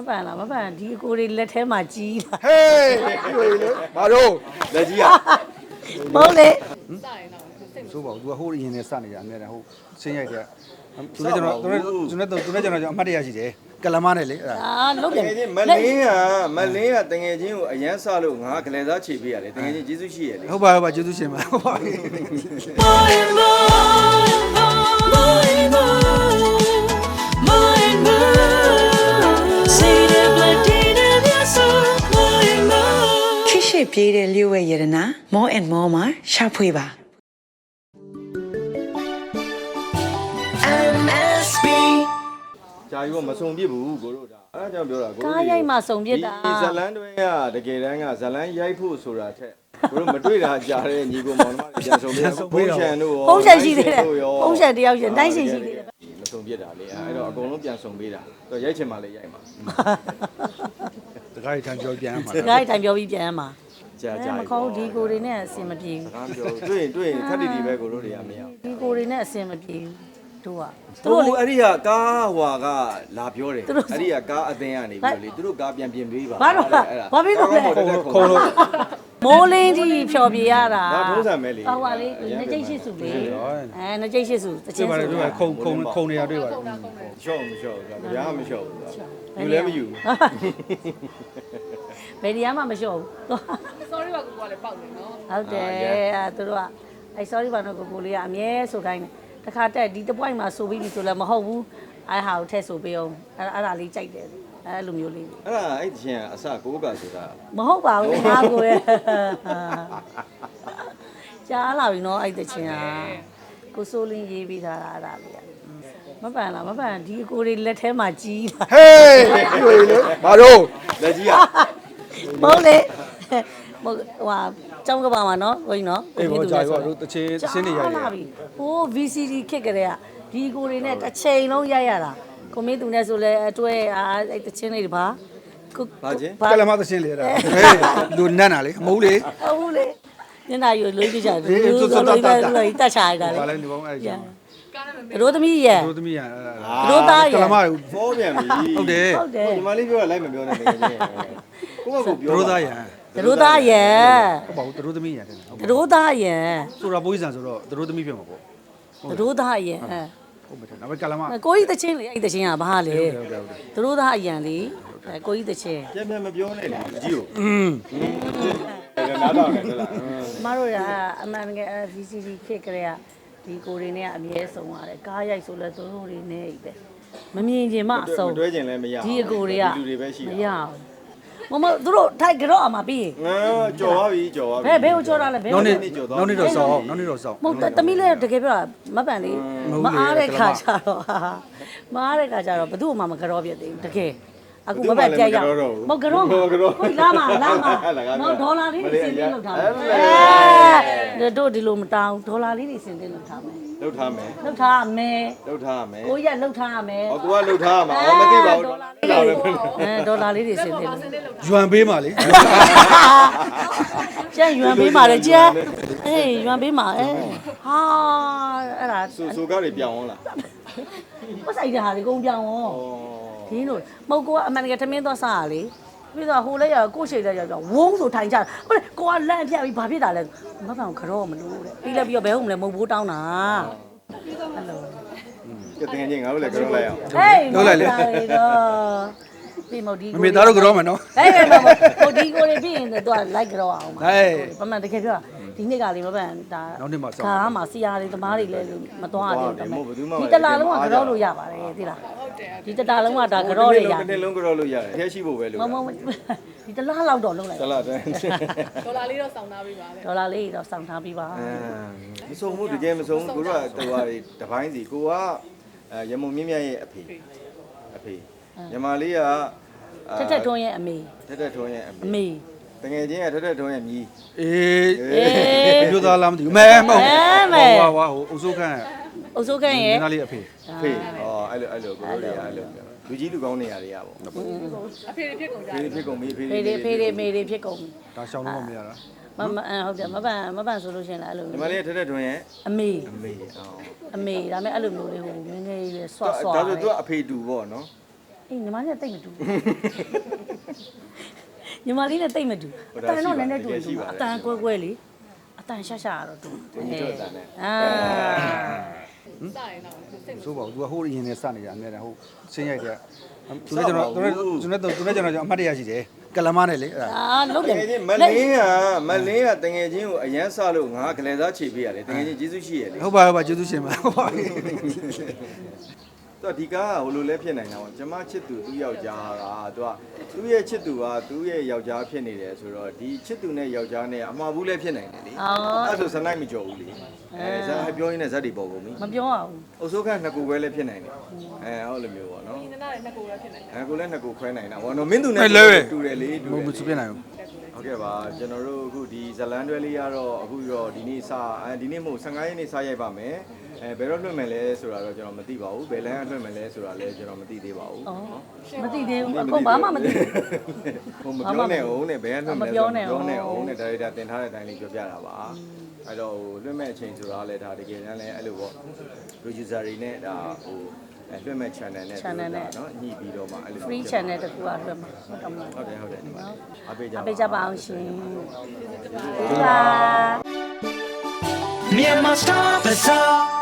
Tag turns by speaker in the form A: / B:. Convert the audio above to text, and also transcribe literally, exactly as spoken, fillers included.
A: ပန်လားမပန်ဒီအကိုတွေလက်ထဲမှာကြီးတာ
B: ဟေးတွေ့လေဘာလို့လက်ကြီးอ่ะ
A: မဟုတ်လေ
B: ဆိုပါဘူး तू ကဟိုးရင်နဲ့စနေကြအများနဲ့ဟိုဆင်းရိုက်တဲ့သူနဲ့ကျွန်တော်သူနဲ့သူနဲ့သူနဲ့ကျွန်တော်အမှတ်တရရှိတယ်ကလမနဲ့လေအဲ့ဒါ
A: အာလုတ်တယ်
C: မလင်းကမလင်းကတငယ်ချင်းကိုအရန်ဆလို့ငါကလေးသားခြေပေးရတယ်တငယ်ချင်းကျေးဇူးရှိရလေ
B: ဟုတ်ပါဟုတ်ပါကျေးဇူးရှင်ပါဟုတ်ပါ
D: ခေတ်ပြေးတဲ့လျှို့ဝဲရတနာ more and more မှာရှာဖွေပါ
C: ဂျာယူကမစုံပြစ်ဘူးကိုတို့ဒါအဲ့ဒါကြောင့်ပြောတာကို
A: ကားရိုက်မှစုံပြစ်တာ
C: ဒီဇလန်တွဲကတကယ်တမ်းကဇလန်ရိုက်ဖို့ဆိုတာထက်ကိုတို့မတွေ့တာကြားတဲ့ညီကိုမောင်နှမတွေပြန်စုံပြစ်ဖုန်းရှန်တို့ရော
A: ဖုန်းရှန်ရှိသေးတယ်ဖုန်းရှန်တယောက်ရှင်တိုင်းရှင်ရှိသေးတယ်
C: မစုံပြစ်တာလေအဲ့တော့အကုန်လုံးပြန်စုံပေးတာတော့ရိုက်ချင်မှလည်းရိုက်မှာ
B: တခါထိုင်ပြောပြန်မှာ
A: တခါထိုင်ပြောပြီးပြန်မှာ
C: ကြာကြာ
A: မခေါင်းဒီကိုတွေနဲ့အဆင်မပြေဘူး
C: စကားပြောတွေ့ရင်တွေ့ရင်ခက်တီတီပဲကိုတို့တွေကမရ
A: ဒီကိုတွေနဲ့အဆင်မပြေဘူးတို့က
C: သူတို့အဲ့ဒီကကားဟွာကလာပြောတယ်အဲ့ဒီကကားအသင်းကနေပြီးလေသူတို့ကားပြန်ပြင်ပေးပါ
A: ဘာလို့ဘာဖြစ်လို့လဲ
B: ခုံလို့
A: မိုးလင်းကြီးဖြော်ပြရတာ
C: ဒါထုံးစံပဲလေ
A: ဟောပါလေနှစ်ကျိတ်ရှိစုလေအဲနှစ်ကျိတ်ရှိစုတချင်းစု
B: တွေ့ပါခုံခုံခုံနေရတွေ့ပါ
C: ရှော့မရှော့ဘူးဗျာမရှော့ဘူးယူလည်းမယူ
A: ဘယ်နေရာမှမလျှော့ဘူး
E: sorry ပါကိုကလည်းပေါက်နေနော်
A: ဟုတ်တယ်အဲသူတို့ကအဲ sorry ပါတော့ကိုကိုလေးကအမြဲဆိုခိုင်းတယ်တခါတက်ဒီတပွိုင်းမှာဆိုပြီးပြီဆိုလည်းမဟုတ်ဘူးအဲဟာကိုထည့်ဆိုပေးအောင်အဲအဲ့ဒါလေးကြိုက်တယ်အဲလိုမျိုးလေး
C: အဲ့ဒါအဲ့ချင်းအစကိုးကဆိုတာ
A: မဟုတ်ပါဘူးငါကိုရဲ့ကြားလာပြီနော်အဲ့တချင်းကကိုစိုးလင်းရေးပြီးထားတာအဲ့ဒါလေးမပန်လားမပန်ဒီအကိုတွေလက်ထဲမှာကြီးတာ
B: ဟေးတွေ့လေဘာလို့
C: လက်ကြီးอ่ะ
A: မဟုတ်လေဟိုဟာကျောင်းကပါမှာနော်ကိုကြီးနော်
B: ကိုကြီးကြာရောတို့တချင်းတချင်းတွေရိုက်တယ်
A: ဟို ဗီ စီ ဒီ ခစ်ကြတဲ့ကဒီကိုတွေနဲ့တစ်ချိန်လုံးရိုက်ရတာကိုမင်းသူနဲ့ဆိုလဲအတွဲအားအဲ့တချင်းလေးပါ
C: ဘာချင်း
B: ကလမတချင်းလေးအဲ့ဒါဟေးလူနတ်နာလေမဟုတ်လေ
A: ဟုတ်လေညနာယူလွေးပြကြတယ်သူဆိုလို့ပဲလူကြီးတတ်ချရတာလေ
B: ဘာလဲဒီဘောအဲ့ဒါ
A: ရိုးသမီးရဲ့
B: ရိုးသမီးရ
A: ရိုးသားရဲ့
B: ကလမ
C: ဖောပြန်ပြီ
B: ဟုတ်တယ်
A: ဟုတ်တယ်
C: ဒီမလေးပြောတာလိုက်မပြောနဲ့တကယ်ချင်းကိုကကိုပြော
B: ရိုးသားရ
A: ရိုးသားရဲ့
B: ဟုတ်ပါဘူးရိုးသမီးရတယ်
A: ရိုးသားရဲ့
B: ဆိုတာပိုးစံဆိုတော့ရိုးသမီးဖြစ်မှာပေါ့
A: ရိုးသားရဲ့
B: ဟုတ်မယ်နောက်ပဲကလမ
A: ကိုကြီးတချင်းလေအဲ့တချင်းကဘာလဲရိုးသားအရန်လေကိုကြီးတချင်း
C: ပြန်ပြန်မပြောနဲ့လေအကြီးကို
B: อืม
C: နားတော့တယ်ဟုတ်လား
A: မတို့ကအမှန်တကယ် ဗီ စီ ဒီ ခစ်ကြတဲ့ဒီကိုတွေနဲ့အမြဲဆုံးရတယ်ကားရိုက်ဆိုလဲသူတို့တွေနဲ့ပဲမမြင်ချင်မှအဆုံး
C: တွဲချင်လည်းမရ
A: ဒီအကိုတွေက
C: လူတွေပဲရှိ
A: မရဘူးမမသူတို့ထိုက်ကြော့အမှာပြီး
C: ငါကြော်သွားပြီကြော်သွားပြီ
A: ဘယ်ဘယ်ကိုကြော်တာလဲဘယ်
B: နောက်နေ့နောက်နေ့တော့စောင်းနောက်နေ့တော့စောင်း
A: မဟုတ်တမီးလည်းတကယ်ပြောတာမပန်လေးမအားတဲ့ခါကျတော့မအားတဲ့ခါကျတော့ဘသူ့မှမကြော့ပြသေးဘူးတကယ်အခုမပဲပြရအောင်မဟုတ်ကြော့ကိုလာမလာမမဒေါ်လာလေးတွေစင်တင်လောက်ထားမယ်တို့ဒီလိုမတောင်းဒေါ်လာလေးတွေစင်တင်လောက်ထားမယ်
C: လောက်ထားမယ်
A: လောက်ထားမယ်
C: လောက်ထားမယ်
A: ကိုရလောက်ထားမယ်
C: ဟောကိုကလောက်ထားမှာဟောမသိပါဘူးဒေါ်လာလေး
A: အဲဒေါ်လာလေးတွေစင်တင်
B: ယွမ်ပေးပါလေ
A: ကျန်ယွမ်ပေးပါလေကျန်အေးယွမ်ပေးပါအဲဟာအဲ့ဒါ
C: ဆူဆူကားတွေပြောင်းအောင်လား
A: ပတ်ဆိုင်တဲ့ဟာတွေကုန်ပြောင်းအောင်ဒီလိုမဟုတ်ကိုကအမှန်တကယ်ထမင်းသွားစားရလေပြီးတော့ဟိုလည်းရကိုရှိလည်းရတော့ဝုန်းဆိုထိုင်ကြဟုတ်လေကိုကလန့်ပြပြီးဘာဖြစ်တာလဲမပန်ကတော့မလို့တဲ့ပြီးလည်းပြီးတော့ဘယ်ဟုတ်မလဲမဟုတ်ဘူးတောင်းတာအဲ့လို
C: ကဲတကယ်ချင်းငါတို့လည်းကြောက်လိုက်အောင်
A: ဟေးလုပ်လိုက်လေတော့ပြီးမဒီ
B: မမေသားတို့ကြောမယ်နော်
A: ဟေးဟိုဒီကိုတွေပြီးရင်တော့လိုက်ကြောအောင်ပါဟေးပမှန်တကယ်ပြောဒီနေ့ကလေးမပန်ဒါ
B: နောက်နေ့မှာဆော
A: င်းကားမှာစီယာတွေသမားတွေလည်းမသွားရဘူးဒီတလာလုံးကကြောလို့ရပါတယ်သိလားဒီတတာလုံးကဒါကြောတွေရတယ်
C: တစ်နေ့လုံးကြောလို့ရတယ်အထက်ရှိဖို့ပဲလို့
A: မမဒီတလားလောက်တော့လုံးလိုက်
C: တလားတဲ့
E: ဒေါ်လာလေးတော့စောင်းထားပေးပါလေ
A: ဒေါ်လာလေးတော့စောင်းထားပေးပါ
C: မစုံဘူးတကယ်မစုံဘူးကိုတို့ကတော်ရီတပိုင်းစီကိုကရမုံမြင့်မြတ်ရဲ့အဖေအဖေညီမလေးက
A: ထက်ထက်ထွန်းရဲ့အမေ
C: ထက်ထက်ထွန်းရဲ့အ
A: မေ
C: တကယ်ချင်းကထက်ထက်ထွန်းရဲ့မြီး
B: အေးမျိုးသားလားမသိဘူးမဲမဟုတ်ဟွာဟွာဟိုအုပ်စိုးခန့်
A: အုပ်စိုးခန့်ရဲ့
B: နားလေးအဖေ
C: အဖေဟောအဲ့လိုအဲ့လိုကိုတို့တွေကအဲ့လိုလူကြီးလူကောင်းနေရတွေရပါ
E: အဖေတွေဖြစ်ကုန်ကြ
C: တယ်ဖေတွေဖြစ်ကုန်ပြီ
A: ဖေတွေဖေတွေမေတွေဖြစ်ကုန်ပြီ
B: ဒါရှောင်းလို့မရတာ
A: မမဟုတ်တယ်မပန်မပန်ဆိုလို့ရှင်လားအဲ့လို
C: ညီမလေးထက်ထက်ထွန်းရဲ့
A: အမေ
C: အမေဟော
A: အမေဒါမဲ့အဲ့လိုမျိုးလေးဟိုငငယ်ရွယ်ဆွတ်ဆွတ်
C: ဒါဆိုသူကအဖေတူပေါ့နော်
A: ဟအေးညီမလေးနဲ့တိတ်မတူညီမလေးနဲ့တိတ်မတူအတန်တော့လည်းနဲ့တူတူအတန်ကွဲကွဲလေးအတန်ရှာရှာတော့တူ
C: ဒီတော့တန်နဲ့
A: အာ
E: စရင်တော့စိတ်မ
B: ဆိုးပါဘူး तू ဟိုအရင်နဲ့စနေကြအများတန်းဟိုဆင်းရိုက်တဲ့သူလည်းကျွန်တော်သူလည်းကျွန်တော်သူလည်းကျွန်တော်အမှတ်တရရှိတယ်ကလမနဲ့လေအဲ့ဒါ
A: အာလုတ်
C: တ
A: တယ်
C: ကယ်ချင်းမလင်းကမလင်းကတငယ်ချင်းကိုအရန်ဆလို့ငါကလေးသားခြေပေးရတယ်တငယ်ချင်းကျေးဇူးရှိရလေ
B: ဟုတ်ပါဟုတ်ပါကျေးဇူးရှင်ပါဟုတ်ပါ
C: တော့ဒီကားကဟိုလိုလဲဖြစ်နေတာပေါ့ကျမချစ်သူသူ့ယောက်ျားကသူကသူ့ရဲ့ချစ်သူကသူ့ရဲ့ယောက်ျားဖြစ်နေတယ်ဆိုတော့ဒီချစ်သူနဲ့ယောက်ျားနဲ့အမှားဘူးလဲဖြစ်နိုင်တယ်လေ
A: အော်
C: အဲ့ဆိုစနိုက်မကြော်ဘူးလေအဲဇာတ်ပြောရင်းနဲ့ဇက်တွေပေါ်ကုန်ပြီ
A: မပြောအောင်
C: အုပ်စိုးခန့်နှစ်ခုပဲလဲဖြစ်နိုင်တယ်အဲဟုတ်လိုမျိုးပေါ့နော်
E: ဒီနနာရဲ့နှစ်ကိုလည်းဖြစ်နေတယ်
C: အဲကိုလည်းနှစ်ခုခွဲနိုင်တာဘောနော်မင်းသူနဲ့တူတယ်လေတူ
B: မ
C: တယ်
B: ဟုတ်ဘူးပြနိုင်ဘူး
C: ဟုတ်ကဲ့ပါကျွန်တော်တို့အခုဒီဇလန်တွဲလေးကတော့အခုတော့ဒီနေ့စအဲဒီနေ့မို့ဆယ်၅ရက်နေ့စရိုက်ပါမယ်အဲဘယ်တော့လွှင့်မယ်လဲဆိုတာတော့ကျွန်တော်မသိပါဘူးဘယ်လမ်းကလွှင့်မယ်လဲဆိုတာလည်းကျွန်တော်မသိသေးပါဘူး
A: အော်မသိသေးဘူးအကုန်ဘာမှမသိဘူး
C: ဟိုမပြောနဲ့အောင်နဲ့ဘယ်ကလွှင့်မယ်လဲ
A: မပြောနဲ့အောင်
C: ပြောနဲ့အောင်နဲ့ဒါရိုက်တာတင်ထားတဲ့အတိုင်းလေးပြောပြတာပါအဲ့တော့ဟိုလွှင့်မဲ့အချိန်ဆိုတာလည်းဒါတကယ်တမ်းလည်းအဲ့လိုပေါ့ producer တွေနဲ့ဒါဟိုအဲလွှင့်မဲ့ channel နဲ့
A: channel နဲ့
C: เนาะညှိပြီးတော့မှအဲ့လို
A: free channel တကူကလွှတ်မှာဟုတ်တယ်မလား
C: ဟုတ်တယ်ဟုတ်တယ်ဒီမှာအပေးကြ
A: အ
C: ပါ
A: ပေးကြပါအောင်ရှင်ဒီပါ
F: Myanmar Star Bazaar.